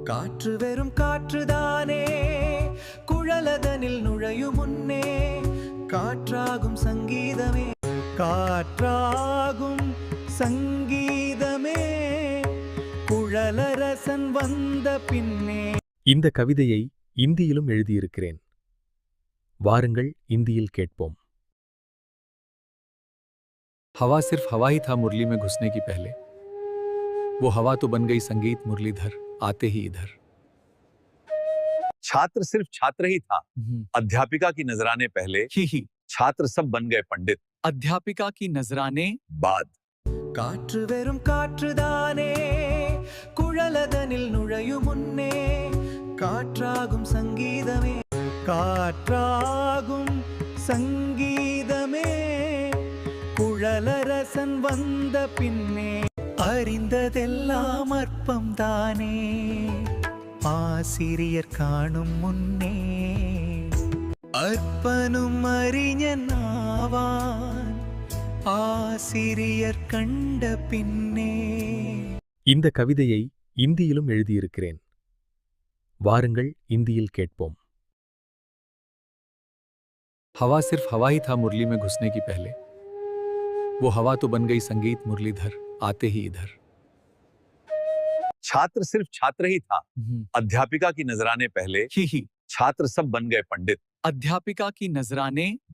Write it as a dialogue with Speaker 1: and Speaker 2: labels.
Speaker 1: காற்று வெறும் காற்றுதானே, குழலதனில் நுழையும் முன்னே காற்றாகும் சங்கீதமே, காற்றாகும் சங்கீதமே, குழலரசன் வந்த பின்னே.
Speaker 2: இந்த கவிதையை இந்தியிலும் எழுதியிருக்கிறேன். வாருங்கள் இந்தியில் கேட்போம்.
Speaker 3: हवा सिर्फ हवा ही था मुरली में घुसने की पहले, वो हवा तो बन गई संगीत मुरलीधर आते ही इधर।
Speaker 4: छात्र सिर्फ छात्र ही था, अध्यापिका की नजराने पहले
Speaker 3: ही
Speaker 4: छात्र सब बन गए पंडित
Speaker 3: अध्यापिका की नजराने
Speaker 4: बाद।
Speaker 1: காற்று வெறும் காற்றுதானே, குழலதனில் நுழையும் முன்னே காற்றாகும் சங்கீதமே, காற்றாகும் சங்கீதமே, குழலரசன் வந்த பின்னே. அறிந்ததெல்லாம் அற்பம் தானே, ஆசிரியர் காணும் முன்னே அற்பனும் அறிஞன் ஆவான், ஆசிரியர் கண்ட பின்னே.
Speaker 2: இந்த கவிதையை இந்தியிலும் எழுதியிருக்கிறேன். வாருங்கள் இந்தியில் கேட்போம்.
Speaker 3: हवा सिर्फ हवा ही था मुरली में घुसने की पहले, वो हवा तो बन गई संगीत मुरलीधर आते ही इधर।
Speaker 4: छात्र सिर्फ छात्र ही था, अध्यापिका की नजराने पहले
Speaker 3: ही
Speaker 4: छात्र सब बन गए पंडित
Speaker 3: अध्यापिका की नजराने